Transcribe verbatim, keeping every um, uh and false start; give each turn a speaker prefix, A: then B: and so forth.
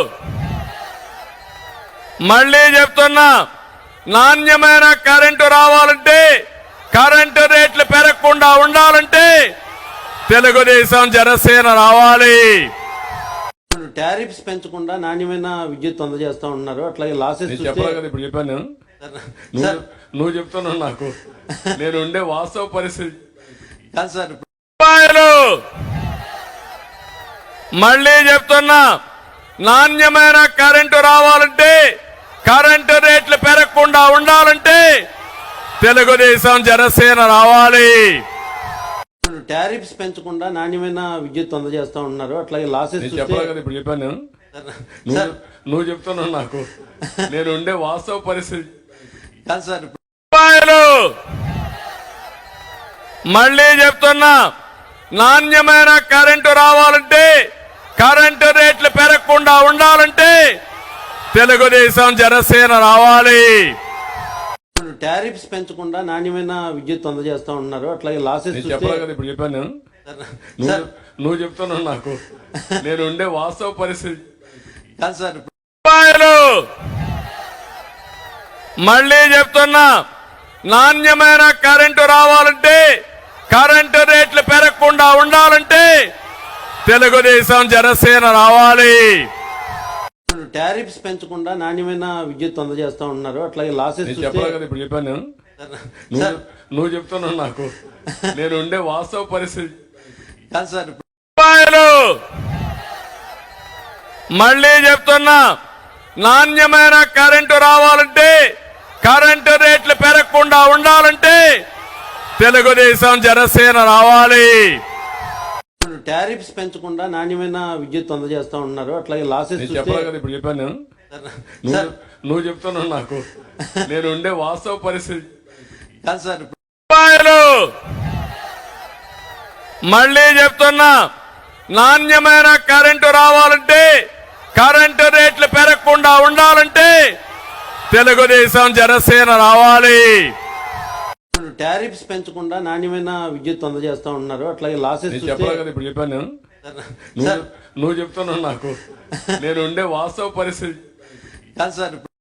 A: మళ్ళీ చెప్తున్నా, నాణ్యమైన కరెంటు రావాలంటే, కరెంటు రేట్లు పెరగకుండా ఉండాలంటే తెలుగుదేశం జనసేన రావాలి.
B: టారిఫ్స్ పెంచకుండా నాణ్యమైన విద్యుత్ అందజేస్తా ఉన్నారు. అట్లాగే లాసెస్
A: చెప్పాలి కదా, ఇప్పుడు చెప్పాను నేను. నువ్వు నువ్వు చెప్తున్నావు నాకు, నేను ఉండే వాస్తవ పరిస్థితి
B: కాదు సార్.
A: మళ్ళీ చెప్తున్నా, నాణ్యమైన కరెంటు రావాలంటే, కరెంటు రేట్లు పెరగకుండా ఉండాలంటే తెలుగుదేశం జనసేన రావాలి.
B: టారిఫ్స్ పెంచకుండా నాణ్యమైన విద్యుత్ అందజేస్తా ఉన్నారు. అట్లాగే లాసెస్
A: చెప్పాలి కదా, ఇప్పుడు చెప్పాను నేను. నువ్వు నువ్వు చెప్తున్నావు నాకు, నేను ఉండే వాస్తవ పరిస్థితి
B: కాదు సార్.
A: మళ్ళీ చెప్తున్నా, నాణ్యమైన కరెంటు రావాలంటే, కరెంటు రేట్లు పెరగకుండా ఉండాలంటే తెలుగుదేశం జనసేన రావాలి.
B: టారిఫ్స్ పెంచకుండా నాణ్యమైన విద్యుత్ అందజేస్తా ఉన్నారు. అట్లాగే లాసెస్
A: చెప్పాలి కదా, ఇప్పుడు చెప్పాను నేను. నువ్వు నువ్వు చెప్తున్నావు నాకు, నేను ఉండే వాస్తవ పరిస్థితి
B: కాదు సార్.
A: మళ్ళీ చెప్తున్నా, నాణ్యమైన కరెంటు రావాలంటే, కరెంటు రేట్లు పెరగకుండా ఉండాలంటే తెలుగుదేశం జనసేన రావాలి.
B: టారిఫ్స్ పెంచకుండా నాణ్యమైన విద్యుత్ అందజేస్తా ఉన్నారు. అట్లాగే లాసెస్
A: చెప్పాలి కదా, ఇప్పుడు చెప్పాను నేను. నువ్వు నువ్వు చెప్తున్నావు నాకు, నేను ఉండే వాస్తవ పరిస్థితి
B: కాదు సార్.
A: మళ్ళీ చెప్తున్నా, నాణ్యమైన కరెంటు రావాలంటే, కరెంటు రేట్లు పెరగకుండా ఉండాలంటే తెలుగుదేశం జనసేన రావాలి.
B: టారిఫ్స్ పెంచకుండా నాణ్యమైన విద్యుత్ అందజేస్తా ఉన్నారు. అట్లాగే లాసెస్
A: చెప్పాలి కదా, ఇప్పుడు చెప్పాను నేను. నువ్వు నువ్వు చెప్తున్నావు నాకు, నేను ఉండే వాస్తవ పరిస్థితి
B: కాదు సార్.
A: మళ్ళీ చెప్తున్నా, నాణ్యమైన కరెంటు రావాలంటే, కరెంటు రేట్లు పెరగకుండా ఉండాలంటే తెలుగుదేశం జనసేన రావాలి.
B: టారిఫ్స్ పెంచకుండా నాణ్యమైన విద్యుత్ అందజేస్తా ఉన్నారు. అట్లాగే లాసెస్
A: చెప్పాలి కదా, ఇప్పుడు చెప్పాను నేను. నువ్వు నువ్వు చెప్తున్నావు నాకు, నేను ఉండే వాస్తవ పరిస్థితి
B: కాదు సార్.